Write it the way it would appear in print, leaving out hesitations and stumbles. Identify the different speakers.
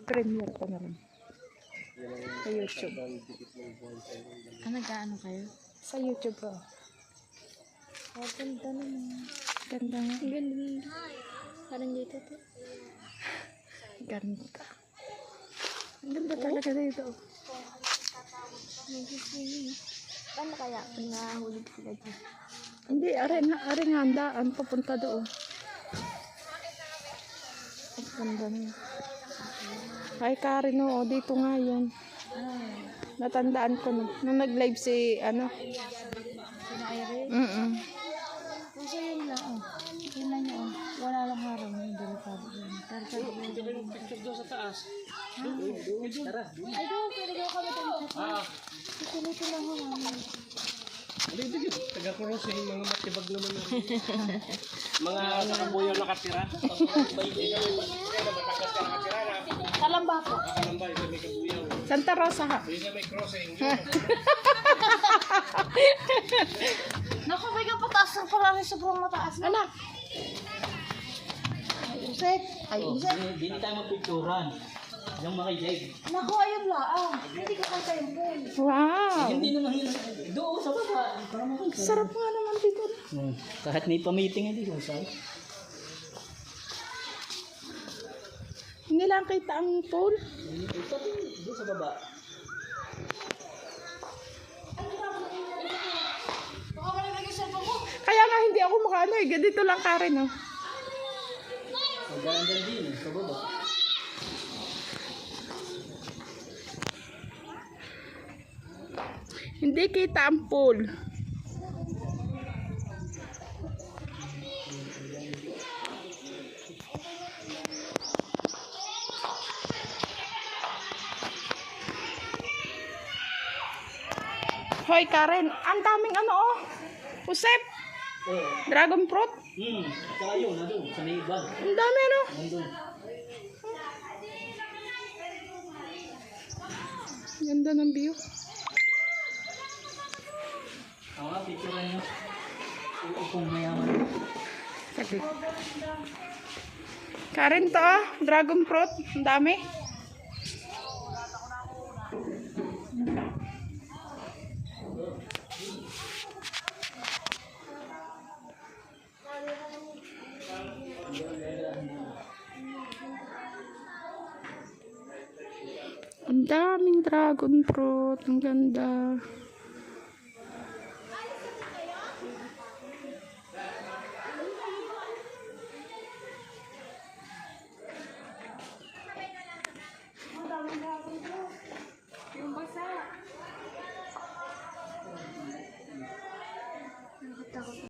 Speaker 1: Premiere ko na rin. Sa YouTube.
Speaker 2: Nag-ano kayo?
Speaker 1: Sa YouTube ko.
Speaker 2: Oh, ganda naman.
Speaker 1: Ganda nga.
Speaker 2: Ganda. Parang dito to.
Speaker 1: Ganda. Ang ganda talaga dito.
Speaker 2: Paano kaya pag nahulog sila dyan?
Speaker 1: Hindi, are nga ang daan. Papunta doon. Ang ganda na. Ay, Karen, oo. Dito nga yun. Natandaan ko na. Nung nag-live si, ano?
Speaker 2: Sina Irene? Kasi yun lang, oh. Yun lang yun, oh. Wala lang harang yung delikado yun. Pero sabi ko yung picture doon sa taas. Tara. Ay, doon. Pwede daw kami doon sa taas. Ito lang ho namin.
Speaker 3: Hindi, taga-crossing, mga matibag naman na. Mga nakabuyo nakatira.
Speaker 2: Kalamba po.
Speaker 3: Kalamba, isa may kabuyaw.
Speaker 1: Santa Rosa ha.
Speaker 3: Isa may crossing.
Speaker 2: Naku, may kapataas na parang sobrang mataas na.
Speaker 1: Anak.
Speaker 2: Ay, Usek. Ay, Usek.
Speaker 4: Hindi tayo magpicturan. Yung makinig.
Speaker 2: Naku, ayun lang. Hindi ko kanta yung pool.
Speaker 1: Wow.
Speaker 4: Hindi naman yun. Doon sa baba. Para makita.
Speaker 1: Sarap nga naman dito.
Speaker 4: Kahit may pa-meeting hindi ko sa.
Speaker 1: Hindi lang kita ang pool.
Speaker 4: Doon sa baba.
Speaker 2: Baka malamig yung cellphone mo.
Speaker 1: Kaya nga hindi ako makaano eh. Dito lang Karen oh.
Speaker 4: Magandang din sa baba.
Speaker 1: Hindi kita ang pool. Hoy Karen, ang daming ano oh. Usep. Dragon fruit.
Speaker 4: Saka yun, nandun. Sa may bag.
Speaker 1: Ang dami ano.
Speaker 4: Nandun.
Speaker 1: Ganda ng view.
Speaker 4: Ako nga, picturan nyo. Kung mayaman.
Speaker 1: Saglit. Karen to ah. Dragon fruit. Ang dami. Ang daming dragon fruit. Ang ganda.
Speaker 2: Yung basa.